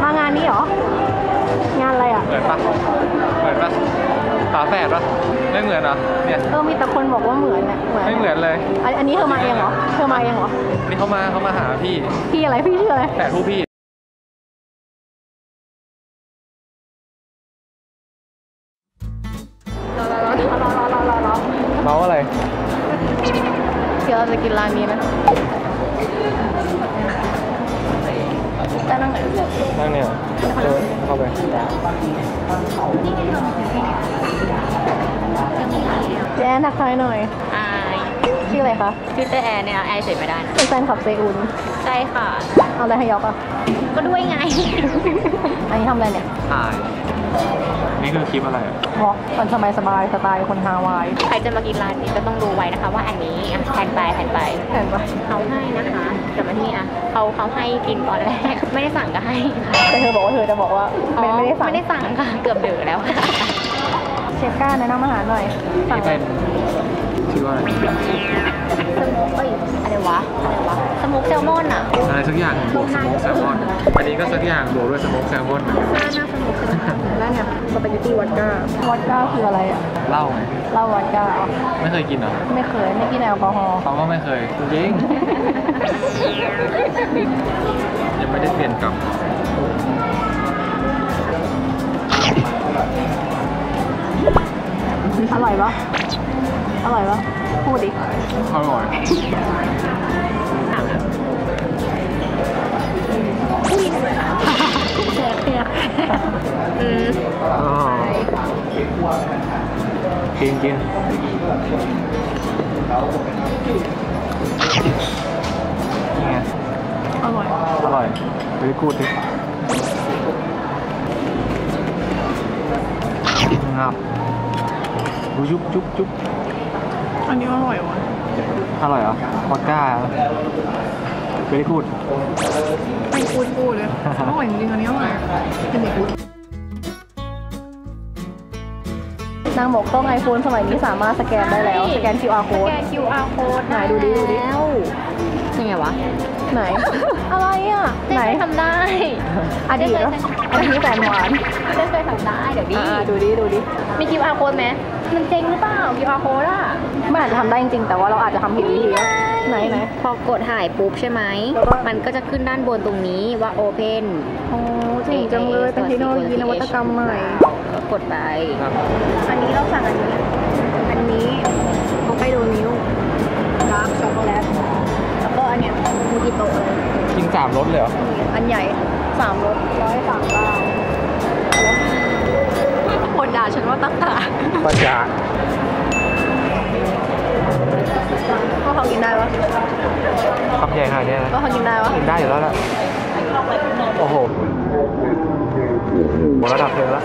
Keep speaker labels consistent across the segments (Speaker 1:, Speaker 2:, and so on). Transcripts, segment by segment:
Speaker 1: างานนี้เหรองานอะไรอ่ะ
Speaker 2: เหมือนปะฝาแฝดปะไม่เหมือนเหรอเนี่ย
Speaker 1: มีแต่คนบอกว่าเหมือนเนี่ย
Speaker 2: ไม่เหมือนเลย
Speaker 1: อันนี้เธอมาเองเหรอ
Speaker 2: นี่เขามาหาพี่
Speaker 1: อะไรพี่ชื่ออะไร
Speaker 2: แฝดผู้พี่
Speaker 1: รอ
Speaker 2: เมาอะไร
Speaker 1: เดี๋ยวเราจะกินร้านนี้นะจะนั่งไหน
Speaker 2: นั่งเนี่ยเข้าไป
Speaker 1: แอนทักทายหน่อยชื่ออะไรคะ
Speaker 3: ชื่อเตแอนเนี่ยไอเฉยไม่ได้นะ
Speaker 1: เป็นแฟนคลับเซอุน
Speaker 3: ใช่ค่ะ
Speaker 1: เอาอะไรให้ยอกอ่ะ
Speaker 3: ก็ด้วยไง
Speaker 1: อันนี้ทำอะไรเนี่ย
Speaker 2: ถ่ายนี่คือคลิปอะไร
Speaker 1: วอล์กมันสบายสไตล์คนฮาวาย
Speaker 3: ใครจะมากินร้านนี้ก็ต้องดูไว้นะคะว่าอันนี้แทนไปเขาให้นะคะแต่มาที่เขาให้กินตอนแรกไม่ได้สั่งก็ให้
Speaker 1: แต่เธอบอกว่าเธอจะบอกว่าไม่ได้
Speaker 3: สั่งค่ะเกือบเดือแล้ว
Speaker 1: เชฟก้าแนะนำอาหารหน่อย
Speaker 2: สั่งเป็นชื่อว่าอะไร
Speaker 3: อะไรวะสโมกแซลมอนอ่ะ
Speaker 2: อะไรสักอย่างบวกสโมกแซลมอนอันนี้ก็สักอย่างบวกด้วยสโมกแซลมอน
Speaker 3: น่าสนุก
Speaker 1: แล้วเนี่ยสปาเกตตี้วอดก้าคืออะไรอ่ะ
Speaker 2: เหล้าไง
Speaker 1: เหล้าวอดก้า
Speaker 2: ไม่เคยกินเหรอ
Speaker 1: ไม่กินแอลกอฮอล์
Speaker 2: เขาก็ไม่เคยจริงยังไม่ได้เปลี่ยนกลับ
Speaker 1: อร่อยปะพูดดิ
Speaker 2: อร่อย
Speaker 1: แซ่บเนี่ย
Speaker 2: กินนี่ไง
Speaker 1: อร่อย
Speaker 2: ไปกูดดิงับจุ๊บ
Speaker 1: อันนี้อร่อยวะ
Speaker 2: อร่อยเหรอวอดก้าไปกูด
Speaker 1: ไปกูดเลยอร่อยจริงอันนี้อร่อยเป็นเด็กนางบอกกล้อง iPhone สมัยนี้สามารถสแกนได้แล้วสแกน QR code ไหนดูดิ
Speaker 3: ยังไงวะ
Speaker 1: ไหนอะไรอ่ะ
Speaker 3: ไหนทำได้
Speaker 1: อดีตแล้วอันนี้แฟนหวาน
Speaker 3: เคยทำได้เดี๋ยว
Speaker 1: ดูดิ
Speaker 3: มี QR code ไหมมันเจ๊งหรือเปล่า QR code อ่ะ
Speaker 1: มันอาจจะทำได้จริงๆแต่ว่าเราอาจจะทำผิดวิธีไหน
Speaker 3: พอกดถ่ายปุ๊บใช่ไหมมันก็จะขึ้นด้านบนตรงนี้ว่า Open
Speaker 1: โอ้จริงจังเลยเป็นเทคโนโลยีนวัตกรรมใหม่
Speaker 3: กดไป
Speaker 1: อันนี้เราสั่งอันนี้เขาไปดูนิ้วดาร์กช็อกโกแลตแล้วก็อันเนี้ยมูจิโตะเลย
Speaker 2: กิน3 รสเลยเหรอ
Speaker 1: อันใหญ่3 รส139คนด่าฉันว่าตั้งตา
Speaker 2: ปัญญา
Speaker 1: ก็เขากินได้ปะ
Speaker 2: คำใหญ่ขนาดนี้นะ
Speaker 1: ก็เขากินได้ปะ
Speaker 2: กินได้อยู่แล้วล่ะโอ้โหระดับเธอละ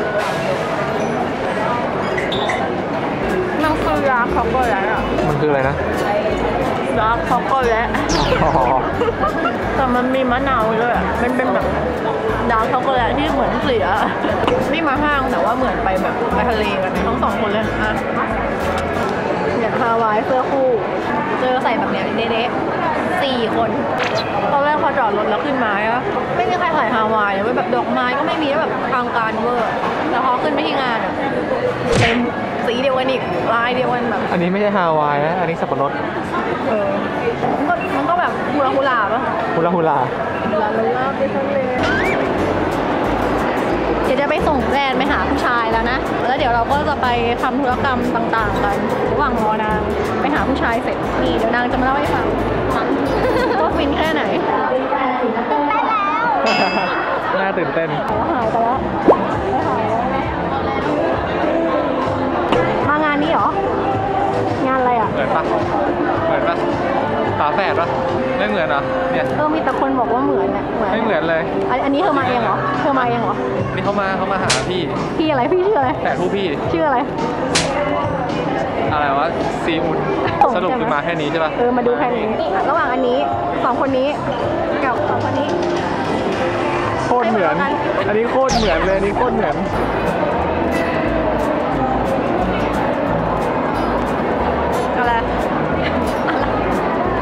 Speaker 1: มันคือดาร์กช็อกโกแลตอ่ะ
Speaker 2: มันคืออะไรนะ
Speaker 1: ดาร์กช็อกโกแลตแต่มันมีมะนาวด้วยอ่ะมันเป็นแบบดาร์กช็อกโกแลตที่เหมือนเสียนี่มาห้างแต่ว่าเหมือนไปแบบไปทะเลกันทั้ง2 คนเลยอ่ะเนี่ยฮาวายเสื้อคู่เจอใส่แบบเนี้ยเด๊ะ4 คนตอนแรกพอจอดรถแล้วขึ้นมาอะไม่มีใครถ่ายฮาวายเลยแบบดอกไม้ก็ไม่มีแบบทางการเวอร์แล้วพอขึ้นไปที่งานอะเต็มสีเดียวกันอีกลายเดียวกันแบบ
Speaker 2: อันนี้ไม่ใช่ฮาวายนะอันนี้สับปะรด
Speaker 1: มันก็แบบฮูลาป่ะ
Speaker 2: ฮูลา
Speaker 1: ไปทะเลเดี๋ยวจะไปส่งแฟนไปหาผู้ชายแล้วนะแล้วเดี๋ยวเราก็จะไปทำธุรกรรมต่างๆกันระหว่างรอนางไปหาผู้ชายเสร็จนี่เดี๋ยวนางจะมาเล่าให้ฟังว่าฟินแค่ไหน
Speaker 2: น่าตื่นเต้น
Speaker 1: หายไปแล้วมางานนี้เหรองานอะไรอ่ะ
Speaker 2: เหมือนปะฝาแฝดปะไม่เหมือนเหรอเนี่ย
Speaker 1: มีแต่คนบอกว่าเหมือนเนี่ย
Speaker 2: ไม่เหมือนเลย
Speaker 1: อันนี้เธอมาเองเหรอ
Speaker 2: นี่เขามาหา
Speaker 1: พี่อะไรพี่ชื่ออะไร
Speaker 2: แฝดผู้พี่
Speaker 1: ชื่ออะไร
Speaker 2: วะซีอุนสรุปคือมาแค่นี้ใช่ปะ
Speaker 1: มาดูแค่นี้ระหว่างอันนี้2 คนนี้กับ2 คนนี้
Speaker 2: โคตรเหมือนอันนี้โคตรเหมือนเลยอันนี้โคตรเหมือน
Speaker 1: อะไร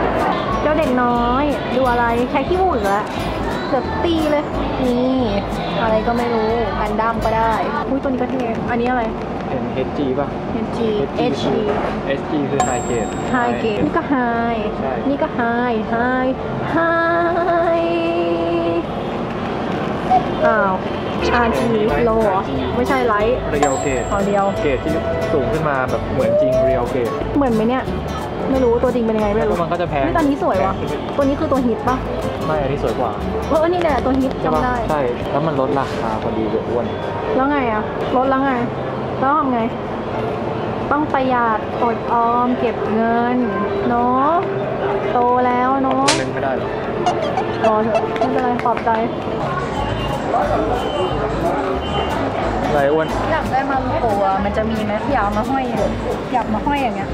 Speaker 1: เจ้าเด็กน้อยดูอะไรใช้ขี้มูกอีกแล้วเดี๋ยวตีเลยนี่อะไรก็ไม่รู้กันดั้มก็ได้อุ้ยตัวนี้ก็เท่อันนี้อะไร
Speaker 2: เห็น HG ป่ะ
Speaker 1: HG HG
Speaker 2: HG คือ High Grade
Speaker 1: High Grade นี่ก็ High
Speaker 2: ใช่
Speaker 1: นี่ก็ High High High อ้าว RG low เหรอไม่ใช่ไลท์
Speaker 2: Real Grade
Speaker 1: เอาเดียว
Speaker 2: เกรดที่สูงขึ้นมาแบบเหมือนจริง Real Grade
Speaker 1: เหมือนไหมเนี่ยไม่รู้ตัวจริงเป็นยังไงไม่รู้
Speaker 2: แล้วมันก็จะแพง
Speaker 1: นี่ตอนนี้สวยวะตัวนี้คือตัวฮิตปะ
Speaker 2: ไม่อันนี้สวยกว่า
Speaker 1: นี่แหละตัวฮิต
Speaker 2: ใช่ปะ
Speaker 1: จำได้
Speaker 2: ใช่แล้วมันลดราคาพอดีเลยอ้วน
Speaker 1: แล้วไงอะลดแล้วไงแล้วทำไง ต้องประหยัดอดออมเก็บเงินเนาะโตแล้วเนาะ
Speaker 2: เล่นไม่ได้หรอ
Speaker 1: รอเถอะไม่เป็นไรปลอบใจ
Speaker 2: อะไรอ้วน
Speaker 1: อยากได้มาลูโกะมันจะมีไหมอยากเอามาห้อยอยากมาห้อยอย่างเงี้ย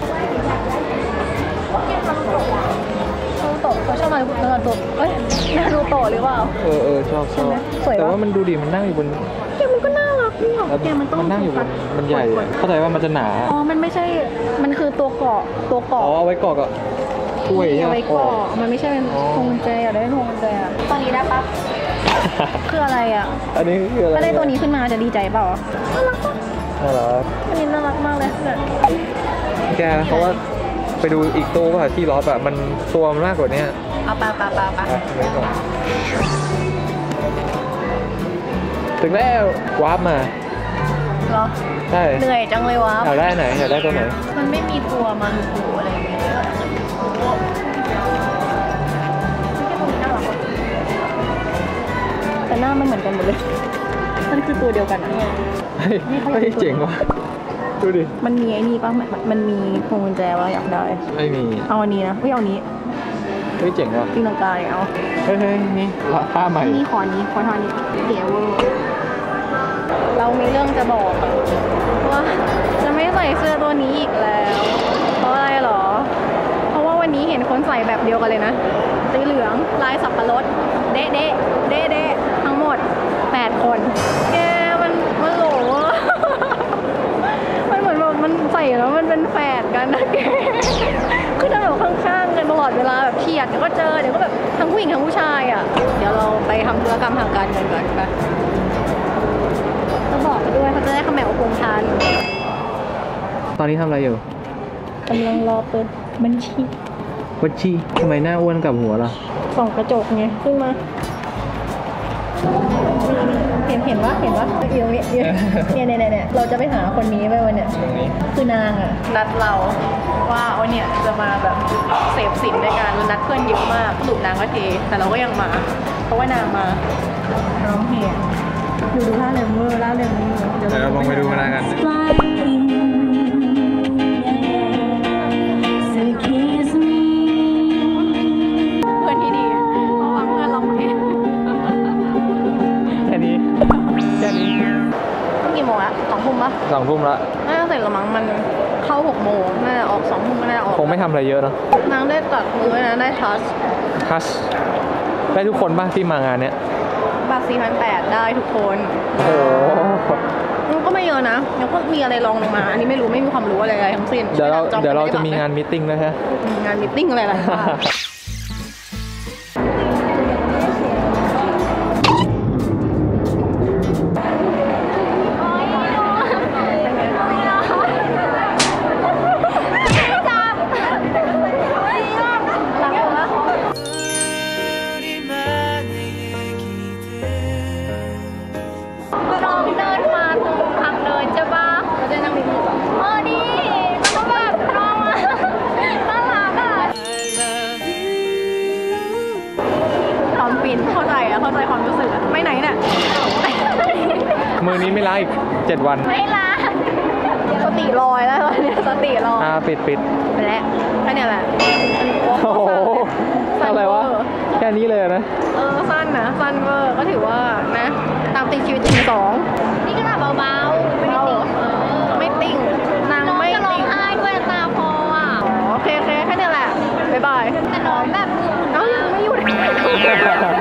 Speaker 1: นารูโตะเขาชอบนารูโตะเอ้ยนารูโตะหรือเปล่า
Speaker 2: ชอบ
Speaker 1: สวยปะ
Speaker 2: แต่ว่ามันดูดิมันนั่งอยู่บน
Speaker 1: แกมันก็น่ารักนี่หรอ
Speaker 2: แล้ว
Speaker 1: แกมันต้อง
Speaker 2: มันนั่งอยู่บนมันใหญ่อะเข้าใจว่ามันจะหนา
Speaker 1: อ๋อมันไม่ใช่มันคือตัวเกาะ
Speaker 2: อ๋อเอาไว้เกาะกับถ้วยใช่
Speaker 1: เอา
Speaker 2: ไหม
Speaker 1: ไว้เกาะมันไม่ใช่เป็น
Speaker 2: อ๋อ
Speaker 1: พวงกุญแจอยากได้พวงกุญแจอะตอนนี้ได้ปะคืออะไรอ่ะ
Speaker 2: อันนี้คืออะไร
Speaker 1: ถ้าได้ตัวนี้ขึ้นมาจะดีใจเปล่าน่ารักปะ
Speaker 2: น่ารัก
Speaker 1: อันนี้น่ารักมากเลยเนี่ย
Speaker 2: แกเพราะว่าไปดูอีกตู้ป่ะที่ล็อตอะมันตัวมันมากกว่านี้
Speaker 1: เอาไป
Speaker 2: ไว้ก่อนถึงแล้ววาร์ปมา
Speaker 1: เหรอ
Speaker 2: ใช่
Speaker 1: เหนื่อยจังเลยวะ
Speaker 2: อยากได้ไหนอยากได้ตัวไหน
Speaker 1: มันไม่มีตัวมาลูกูอะไรอย่างเงี้ยแต่หน้ามันเหมือนกันหมดเลยมันคือตัวเดียวกันอะ
Speaker 2: เฮ้ยเจ๋งว่ะดูดิ
Speaker 1: มันมีไอ้นี่ป่ะมันมีพวงกุญแจว่าอยากได้
Speaker 2: ไม่มี
Speaker 1: เอาอันนี้นะเอาอันนี้
Speaker 2: เฮ้ยเจ๋งว่ะ
Speaker 1: ตีลังกาเนี่ยเอา
Speaker 2: เฮ้ยนี่ผ้าใหม่
Speaker 1: นี่ขอนี้ขอทานนี้เก๋เวอร์เรามีเรื่องจะบอกว่าจะไม่ใส่เสื้อตัวนี้อีกแล้ว เพราะอะไรหรอ เพราะว่าวันนี้เห็นคนใส่แบบเดียวกันเลยนะสีเหลืองลายสับปะรดเด๊ะทั้งหมด8คนแกมันโหลมันเหมือนแบบมันใส่แล้วมันเป็นแฝดกันนะแกคือจะแบบข้างๆกันตลอดเวลาแบบเฉียดเดี๋ยวก็เจอเดี๋ยวก็แบบทั้งผู้หญิงทั้งผู้ชายอ่ะเดี๋ยวเราไปทำธุรกรรมทางการเงินก่อนไปต้องบอกไปด้วยเขาจะได้ขมวคงทาน
Speaker 2: ตอนนี้ทำอะไรอยู่
Speaker 1: กำลังรอเปิดบัญชี
Speaker 2: วัชชีทำไมหน้าอ้วนกับหัวล่ะ
Speaker 1: ส่องกระจกไงขึ้นมาเห็นว่าอยู่ตรงนี้เนี่ยเราจะไปหาคนนี้ไปวันเนี้ย
Speaker 2: ตรงนี้
Speaker 1: คือนางอ่ะนัดเราว่าวันเนี้ยจะมาแบบเสพสินในการนัดเพื่อนเยอะมากสรุปนางก็เทแต่เราก็ยังมา เพราะว่านางมาร้องเพลงดูท่าเริงเวอร์ล่าเริงนี่
Speaker 2: เดี๋ยวเราลองไปดูกันแล้วกัน
Speaker 1: เพื่อนที่ดีฟังเพื่อนร้องเพลง
Speaker 2: แค่นี้
Speaker 1: กี่โมงละ2 ทุ่มปะ
Speaker 2: 2 ทุ่มละ
Speaker 1: น่าจะเสร็จละมั้งมันเข้า6 โมงน่าจะออก2 ทุ่มก็น่าจะออก
Speaker 2: คงไม่ทำอะไรเยอะเนาะ
Speaker 1: นางได้ตัดมือนะได้ทัช
Speaker 2: ทัชได้ทุกคนป่ะที่มางานเนี้ย
Speaker 1: บัตร 4,800 ได้ทุกคน
Speaker 2: โอ้โห
Speaker 1: มันก็ไม่เยอะนะยังก็มีอะไรรองลงมา อันนี้ไม่รู้ไม่มีความรู้อะไรทั้งสิ้น
Speaker 2: เดี๋ยวเราจะมีงานมีตติ้งด้วยฮะ
Speaker 1: งานมีตติ้งอะไรๆบ้างเข้าใจความรู้สึกอะไม่ไหนเนี่ย
Speaker 2: มือนี้ไม่ล้างอีก7 วัน
Speaker 1: ไม่ลาสติลอยแล้วตอนนี้สติลอย
Speaker 2: ปิด
Speaker 1: ไปแล้วแค่นี้แหละ
Speaker 2: โอ้โหอะไรวะแค่นี้เลยนะ
Speaker 1: สั้นนะสั้นเวอร์ก็ถือว่านะตามติดชีวิตจริง2นี่ก็แบบเบาๆไม่ติ่งนางไม่ติ่งร้องไห้ด้วยตาพออ่ะโอเคแค่นี้แหละบ๊ายบายแต่น้องแบบไม่หยุด